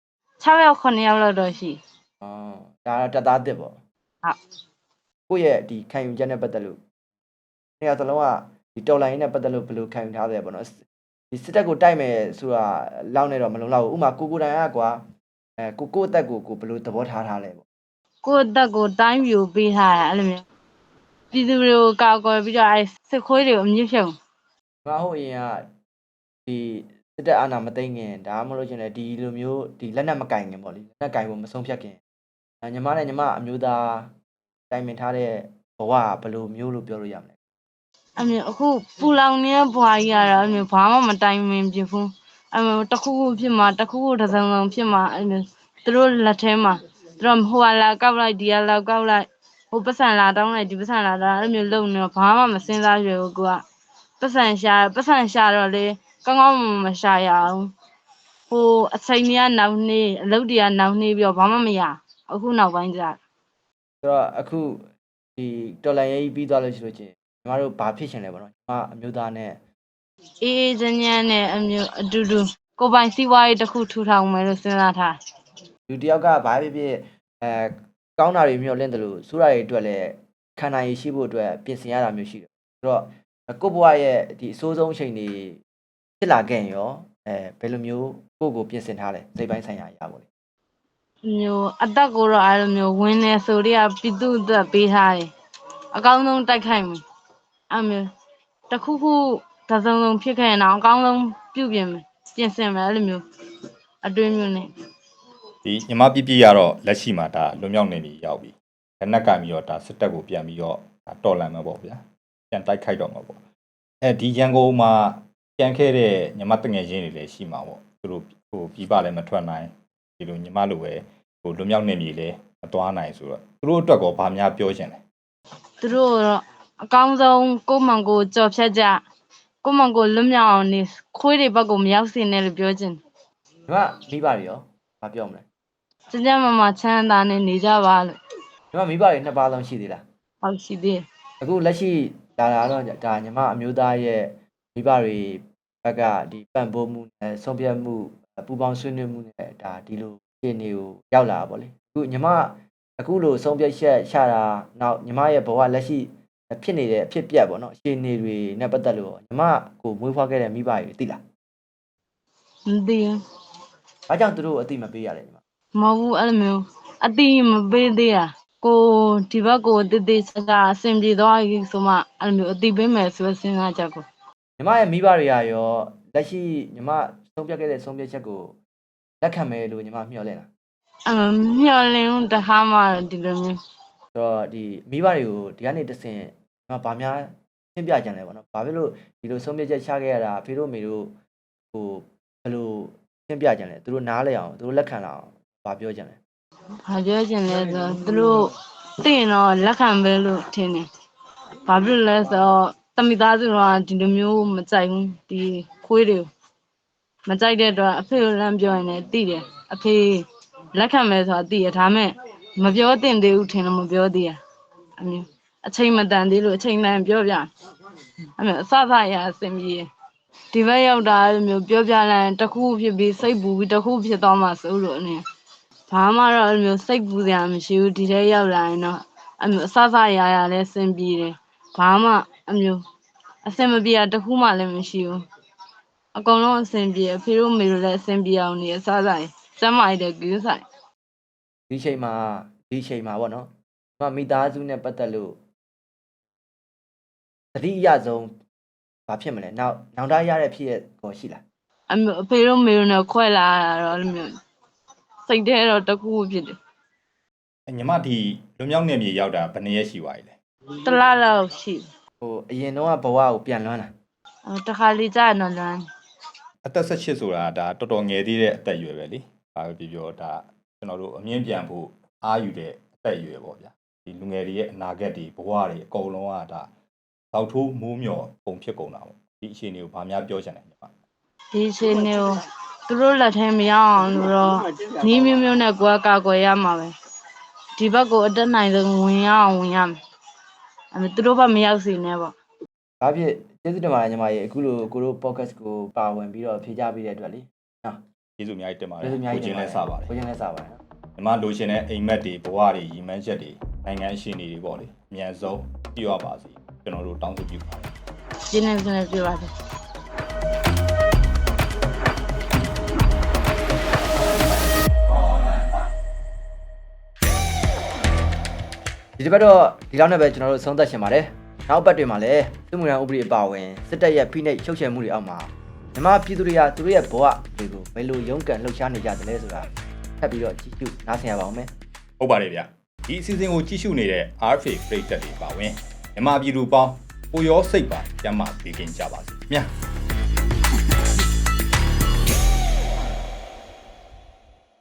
A: 6ယောက်9ယောက်လောက်တော့ရှိ
C: အော်ဒါတော့တက်သားတစ်ပေါ့
A: ဟုတ်
C: ကိုယ့်ရဲ့ဒီခံယူချက်နဲ့ပတ်သက်လို့နေရာသလုံးကဒီတော်လိုင်းနဲ့ပတ်သက်လို့ဘယ်လိုခံယူထားတယ်ပေါ့နော်ဒီစစ်တပ်ကိုတိုက်မယ်ဆိုတာလောက်နေတော့မလုံလောက်ဘူးဥမာကိုတိုင်ကကွာကိုအသက်ကိုဘယ်လိုသဘောထားလဲပေါ့
A: ကိုယ့်အသက်ကိုတိုင်းပြူပေးထားတာအဲ့လိုမျိုးပြည်သူတွေကိုကာကွယ်ပြီးတော့အဲ့စစ်ခွေးတွေကိုအမြင့်ဖြုတ်
C: ငါဟိုအရင်ကဒီစစ်တပ်အာဏာမသိမ်းခင်ဒါမှမဟုတ်ရှင်လေဒီလိုမျိုးဒီလက်နက်မကင်ခင်ပေါ့လေလက်နက်ကင်ဖို့မဆုံးဖြတ်ခင်ညီမနဲ့ညီမအမျိုးသားတိုင်ပင်ထားတဲ့ဘဝကဘယ်လိုမျိုးလို့ပြောလို့ရမလဲ
A: အဲ့မျိုးအခုပူလောင်နေတဲ့ဘွားကြီးကတော့အဲ့မျိုးဘာမှမတိုင်မင်ပြဘူးအဲ့မျိုးတစ်ခုခုဖြစ်မှာတစ်ခုခုတစ်စုံစုံဖြစ်မှာအဲ့မျိုးသူတို့လက်ထဲမှာသူတို့ဟိုလာကောက်လိုက်ဒီကလာကောက်လိုက်ဟိုပတ်စံလာတောင်းလိုက်ဒီပတ်စံလာတောင်းအဲ့မျိုးလုံနေတော့ဘာမှမစင်စားရဘူးကိုကပတ်စံရှာတော့လေကောင်းကောင်းမရှာရအောင်ဟိုအချိန်ကြီးကနောက်နေအလုပ်တွေကနောက်နေပြီးတော့ဘာမှမရအခုနောက်ပိုင်းကျ
C: ဆိုတော့အခုဒီတော်လိုင်းရေးပြီးသွားလို့ရှိလို့ချင်းညီမတို့ဘာဖြစ်ရှင်လဲပေါ့နော်ညီမအမျိုးသားနဲ့
A: အေးအေးချမ်းချမ်းနဲ့အမျိုးအတူတူကိုယ်ပိုင်စီးပွားရေးတစ်ခုထူထောင်မယ်လို့စဉ်းစားထား
C: လူတယောက်ကဘာဖြစ်ဖြစ်ကောင်းတာတွေမျိုးလင့်တယ်လို့စူးတာတွေအတွက်လည်းခံနိုင်ရရှိဖို့အတွက်ပြင်ဆင်ရတာမျိုးရှိတယ်ဆိုတော့ကိုဘွားရဲ့ဒီအစိုးဆုံးအချိန်တွေဖြစ်လာခဲ့ရောဘယ်လိုမျိုးကိုပြင်ဆင်ထားလဲစိတ်ပိုင်းဆိုင်ရာအရာပေါ့လေ
A: မျိုးအသက်ကိုတော့အဲ့လိုမျိုးဝင်နေဆိုတော့ပြည်သူ့အတွက်ပေးထားတယ်အကောင်းဆုံးတိုက်ခိုက်မယ်အဲ့မျိုးတစ်ခုခုတစ်စုံစုံဖြစ်ခဲ့ရင်တော့အကောင်းဆုံးပြုပြင်မယ်ပြင်ဆင်မယ်အဲ့လိုမျိုးအတွင်းမျိုးနဲ့
B: ဒီညီမပြပြရတော့လက်ရှိမှာဒါလွန်မြောက်နေပြီရောက်ပြီလက်နက်ကင်ပြီးတော့ဒါစစ်တပ်ကိုပြန်ပြီးတော့တော်လန်မှာပေါ့ဗျာပြန်တိုက်ခိုက်တော့မှာပေါ့ဒီရန်ကုန်မှာပြန်ခဲ့တဲ့ညီမတငယ်ချင်းတွေလည်းရှိမှာပေါ့သူတို့ဟိုပြပလည်းမထွက်နိုင်ဒီလိုညီမလိုပဲဟိုလွန်မြောက်နေပြီလေမသွားနိုင်ဆိုတော့သူတို့အတွက်ကောဗာများပြောချင်တယ်
A: သူတို့တော့အကောင်းဆုံးကိုယ့်မောင်ကိုကြော်ဖြတ်ကြကိုယ့်မောင်ကိုလွတ်မြောက်အောင်နေခွေးတွေဘက်ကိုမရောက်စေနဲ့လို့ပြောချင်
C: ဒီမှာမိဘတွေရောမပြောမလဲ
A: ကျကျမမချမ်းသာနဲ့နေကြပါလို့
C: ဒီမှာမိဘတွေနှစ်ပါးလုံးရှိသေးလား
A: ဟုတ်ရှိသေးတယ်
C: အခုလက်ရှိဒါတော့ဒါညီမအမျိုးသားရဲ့မိဘတွေဘက်ကဒီပံ့ပိုးမှုနဲ့ဆုံးဖြတ်မှုပူပေါင်းဆွေးနွေးမှုနဲ့ဒါဒီလိုအခြေအနေကိုရောက်လာတာပေါ့လေအခုညီမအခုလိုဆုံးဖြတ်ချက်ချတာနောက်ညီမရဲ့ဘဝလက်ရှိဖြစ်နေတဲ့အဖြစ်ပြက်ပေါ့နော်အခြေအနေတွေနဲ့ပတ်သက်လို့ညီမကိုမွေးဖွားခဲ့တဲ့မိဘတွေသိလား
A: မသိဘူး
C: ။ဘာကြောင့်သူတို့အသိမပေးရလဲညီမ
A: မဟုတ်ဘူးအဲ့လိုမျိုးအတိမပေးသေးတာကိုဒီဘက်ကိုတည်တည်ချာချာအဆင်ပြေသွားပြီဆိုမှအဲ့လိုမျိုးအတိပေးမယ်ဆိုတဲ့စဉ်းစားချက်ကို
C: ။ညီမရဲ့မိဘတွေကရောလက်ရှိညီမဆုံးဖြတ်ခဲ့တဲ့ဆုံးဖြတ်ချက်ကိုလက်ခံမယ်လို့ညီမမျှော်လင့်လား
A: မျှော်လင့်တခါမှဒီလိုမျိုး
C: ။ဆိုတော့ဒီမိဘတွေကိုဒီကနေတစ်ဆင့်ညီမဗာများရှင်းပြကြတယ်ပေါ့နော်။ဘာဖြစ်လို့ဒီလိုဆုံးဖြတ်ချက်ချခဲ့ရတာအဖေတို့မေတို့ဟိုဘယ်လိုရှင်းပြကြလဲ။သူတို့နားလဲအောင်သူတို့လက်ခံလာအောင်ဗာပြောကြတယ်
A: ဘာပြောချင်လဲဆိုတော့သူတို့သိရင်တော့လက်ခံပဲလို့ထင်တယ်ဘာဖြစ်လို့လဲဆိုတော့တမိသားစုတော့ဒီလိုမျိုးမကြိုက်ဘူးဒီခွေးတွေမကြိုက်တဲ့အတွက်အဖေကိုလမ်းပြောရင်လည်းသိတယ်အဖေလက်ခံမယ်ဆိုတာသိရဒါမဲ့မပြောသင့်သေးဘူးထင်လို့မပြောသေးရအမျိုးအချိန်မတန်သေးလို့အချိန်တန်ပြောပြအမျိုးအစစရအစင်ပြေဒီဘက်ရောက်တာအဲ့လိုမျိုးပြောပြလိုက်ရင်တစ်ခုဖြစ်ပြီးစိတ်ပူပြီးတစ်ခုဖြစ်သွားမှစိုးလို့အနေဘာမှတော့အဲ့လိုမျိုးစိတ်ပူစရာမရှိဘူးဒီထဲရောက်လာရင်တော့အမျိုးအစစရရလည်းစင်ပြေတယ်ဘာမှအမျိုးအစင်မပြေတာတစ်ခုမှလည်းမရှိဘူးအကုန်လုံးအဆင်ပြေအဖေတို့မေတို့လည်းအဆင်ပြေအောင်နေအစားစားစမ်းမိုက်တဲ့ကူးဆိုင်
C: ။ဒီချိန်မှာပေါ့နော်။ညီမမိသားစုနဲ့ပတ်သက်လို့သတိအရဆုံးဘာဖြစ်မလဲ။နောက်သားရတဲ့ဖြစ်ရကိုရှိလား
A: အမျိုးအဖေတို့မေတို့နဲ့ခွဲလာတာတော့အဲ့လိုမျိုးစိတ်ထဲတော့တစ်ခုဖြစ်တယ်
B: ညီမဒီလွန်မြောက်နေမြေရောက်တာဘယ်နှစ်ရက်ရှိပါလဲ
A: တစ်လားလောက်ရှိ
C: ။ဟိုအရင်တော့ဘဝကိုပြန်လွမ်းတာ
A: တစ်ခါလေကြာတော့လမ်း
B: အသက်18ဆိုတာဒါတော်တော်ငယ်သေးတဲ့အသက်အရွယ်ပဲလေဘာပဲပြောဒါကျွန်တော်တို့အမြင့်ပြန်ဖို့အားယူတဲ့အသက်အရွယ်ပေါ့ဗျာဒီလူငယ်တွေရဲ့အနာဂတ်တွေဘဝတွေအကုန်လုံးကဒါတောက်ထိုးမိုးမျောပုံဖြစ်ကုန်တာပေါ့ဒီအခြေအနေကိုဗာများပြောချင်တယ်ညီမ
A: ဒီချိန်ကိုသူတို့လက်ထဲမရောက်အောင်လို့တော့နီးမျိုးမျိုးနဲ့ကိုယ်ကာကွယ်ရမှာပဲဒီဘက်ကိုအတက်နိုင်ဆုံးဝင်ရအောင်ဝင်ရမယ်အမေသူတို့ဘက်မရောက်စေနဲ့ပေါ့
C: ။ဒါဖြစ်ကျေးဇူးတင်ပါတယ်ညီမရေအခုလိုကိုတို့ podcast ကိုပါဝင်ပြီးတော့ဖြေကြပေးတဲ့အတွက်လေ။နော်
B: ကျေးဇူးအများကြီးတင်ပါတ
C: ကျေး
B: ယ်
C: ဇူးအများကြီး
B: ကိုချင်းလဲစပါတယ်
C: ကိုချင်းလဲစပါတယ်နော်
B: ညီမလိုချင်တဲ့အိမ်မက်တွေဘဝတွေရည်မှန်းချက်တွေနိုင်ငံအရှင်တွေပေါ့လေအမြန်ဆုံးပြည့်ဝပါစေကျွန်တော်တို့တောင်းဆိုပြုပါတယ်
A: ကျင်းနေစနေပြပါတယ်
C: ဒီတစ်ပတ်တော့ဒီလောက်နဲ့ပဲကျွန်တော်တို့ဆုံးသက်ရှင်ပါတယ်နောက်ပတ်တွေမှာလည်းစစ်မှုထမ်းဥပဒေအပါအဝင်စစ်တပ်ရဲ့ဖိနှိပ်ချုပ်ချယ်မှုတွေအောက်မှာမြန်မာပြည်သူတွေကသူတို့ရဲ့ဘဝတွေကိုဘယ်လိုရုန်းကန်လှုပ်ရှားနေကြသလဲဆိုတာထပ်ပြီးတော့ကြည့်ရှုနားဆင်ရပါအောင်မယ်
B: ဟုတ်ပါတယ်ဗျဒီအစီအစဉ်ကိုကြည့်ရှုနေတဲ့ RFA ပရိသတ်တွေပါဝင်မြန်မာပြည်သူပေါင်းကိုရောစိတ်ပါကျမ်းမာပေးခင်ကြပါစေမြတ်